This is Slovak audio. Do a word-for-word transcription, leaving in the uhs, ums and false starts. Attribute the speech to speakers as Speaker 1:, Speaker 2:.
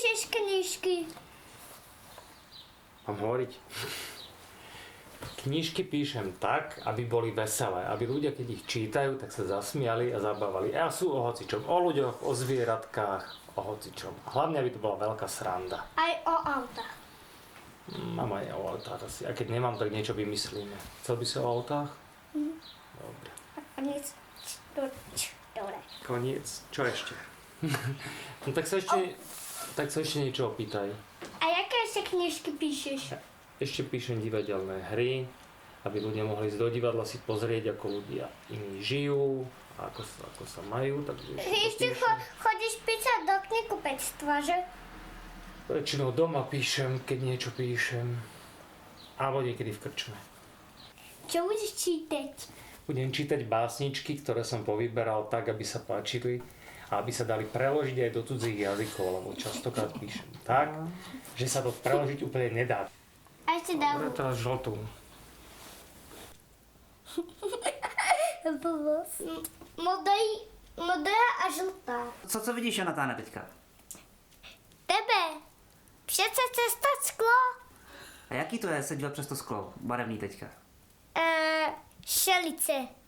Speaker 1: píšeš knižky?
Speaker 2: Mám hovoriť? Knižky píšem tak, aby boli veselé, aby ľudia, keď ich čítajú, tak sa zasmiali a zabávali. A sú o hocičom, o ľuďoch, o zvieratkách, o hocičom. Hlavne, aby to bola veľká sranda.
Speaker 1: Aj o autách.
Speaker 2: Mám aj o autách asi. A keď nemám, tak niečo vymyslíme. Chcel by si o autách?
Speaker 1: Mhm.
Speaker 2: Dobre.
Speaker 1: A koniec. Dobre.
Speaker 2: Koniec. Čo ešte? No tak sa ešte, tak sa ešte niečo opýtaj.
Speaker 1: A jaké ešte knižky píšeš?
Speaker 2: Ešte píšem divadelné hry, aby ľudia mohli ísť do divadla si pozrieť, ako ľudia iní žijú, a ako sa, ako sa majú. Takže
Speaker 1: Ešte cho- chodíš písať do knihkupectva, že?
Speaker 2: Väčšinou doma píšem, keď niečo píšem. Alebo niekedy v krčme.
Speaker 1: Čo budeš čítať?
Speaker 2: Budem čítať básničky, ktoré som povyberal tak, aby sa páčili a aby sa dali preložiť aj do cudzích jazykov, lebo častokrát píšem tak, že sa to preložiť úplne nedá.
Speaker 1: A ešte dám.
Speaker 2: Dobre, teraz žltú.
Speaker 1: Modrý, modrá a žltá.
Speaker 3: Co, co vidíš, Jonatáne, teďka?
Speaker 1: Tebe. Přece cesta sklo.
Speaker 3: A jaký to je sedět přes to sklo, barevný teďka?
Speaker 1: Eee, šelice.